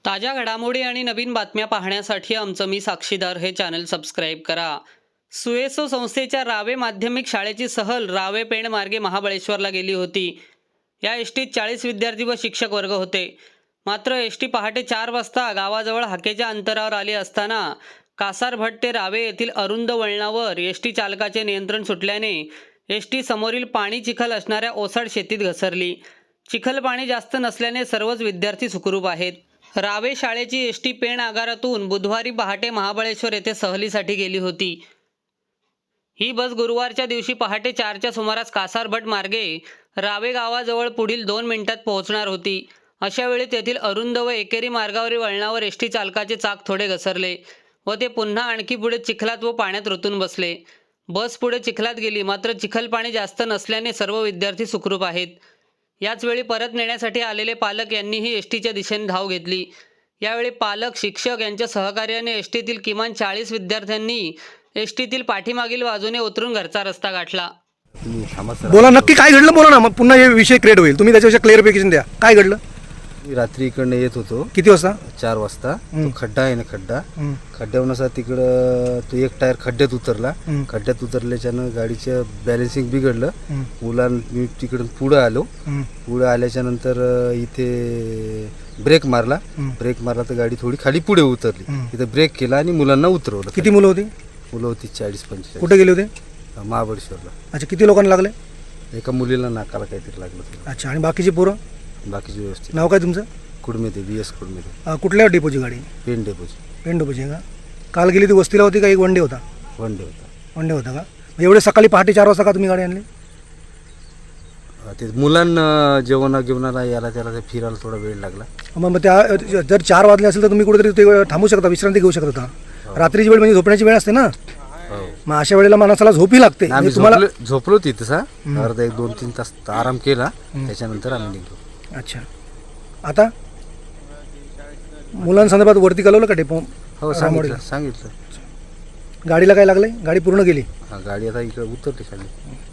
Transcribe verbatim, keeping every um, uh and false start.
ताज्या घडामोडी आणि नवीन बातम्या पाहण्यासाठी आमचं मी साक्षीदार हे चॅनल सबस्क्राईब करा। सुएसो संस्थेच्या रावे माध्यमिक शाळेची सहल रावे पेण मार्गे महाबळेश्वरला गेली होती। या एसटीत चाळीस विद्यार्थी व शिक्षक वर्ग होते। मात्र एसटी पहाटे चार वाजता गावाजवळ हाकेच्या अंतरावर आली असताना कासारभट ते रावे येथील अरुंद वळणावर एसटी चालकाचे नियंत्रण सुटल्याने एसटी समोरील पाणी चिखल असणाऱ्या ओसाड शेतीत घसरली। चिखल पाणी जास्त नसल्याने सर्वच विद्यार्थी सुखरूप आहेत। रावे शाळेची एसटी पेण आगारातून बुधवारी पहाटे महाबळेश्वर येथे सहलीसाठी गेली होती। ही बस गुरुवारच्या दिवशी पहाटे चारच्या सुमारास कासारभट मार्गे रावे गावाजवळ पुढील दोन मिनिटात पोहोचणार होती। अशा वेळी तेथील अरुंद व एकेरी मार्गावरील वळणावर एसटी चालकाचे चाक थोडे घसरले व ते पुन्हा आणखी पुढे चिखलात व पाण्यात रुतून बसले। बस पुढे चिखलात गेली, मात्र चिखल पाणी जास्त नसल्याने सर्व विद्यार्थी सुखरूप आहेत। याच वेळी परत नेण्यासाठी आलेले पालक यांनीही एसटीच्या दिशेने धाव घेतली। यावेळी पालक, शिक्षक यांच्या सहकार्याने एसटीतील किमान चाळीस विद्यार्थ्यांनी एसटीतील पाठीमागील बाजूने उतरून घरचा रस्ता गाठला। बोला, नक्की काय घडलं बोला ना, मग पुन्हा हे विषय क्रिएट होईल। तुम्ही त्याच्याविषयी क्लिअरिफिकेशन द्या, काय घडलं? मी रात्री इकडनं येत होतो। किती वाजता? चार वाजता। तो खड्डा आहे ना, खड्डा खड्ड्यावरून असा तिकडं तो एक टायर खड्ड्यात उतरला। खड्ड्यात उतरल्याच्यानं गाडीचं बॅलन्सिंग बिघडलं। मुलां मी तिकडून पुढं आलो। पुढं आल्याच्या नंतर इथे ब्रेक मारला। ब्रेक मारला तर गाडी थोडी खाली पुढे उतरली। इथं ब्रेक केला आणि मुलांना उतरवलं। किती मुलं होती? मुलं होती चाळीस पंचेचाळीस। कुठे गेले होते? महाबळेश्वरला। अच्छा, किती लोकांना लागले? एका मुलीला नाकाला काहीतरी लागलं। अच्छा, आणि बाकीची पोरं? बाकीची व्यवस्थित। नाव काय तुमचं? Kudmete, B S Kudmete. कुठल्या डेपोची गाडी? पेन डेपोची। पेन डेपोची का? काल गेली ती वस्तीला होती का एक वन डे होता? वन डे होता। वन डे होता का? एवढे सकाळी पहाटे चार वाजता का तुम्ही गाडी आणली? ते मुलांना जेवणा जेवणाला याला त्याला ते फिरायला थोडा वेळ लागला। मग त्या जर चार वाजले असेल तर तुम्ही कुठेतरी ते थांबू शकता, विश्रांती घेऊ शकता होता। रात्रीची वेळ म्हणजे झोपण्याची वेळ असते ना, मग अशा वेळेला माणसाला झोपी लागते। आम्ही तुम्हाला झोपलो तिथं सा अर्धा एक दोन तीन तास आराम केला, त्याच्यानंतर आम्ही निघलो। अच्छा, आता मुलांसंदर्भात वरती कळवलं का डेपो? हो, सांगितलं सांगितलं गाडीला काय लागलंय? गाडी पूर्ण गेली? हा, गाडी आता इकडे उतरली खाली।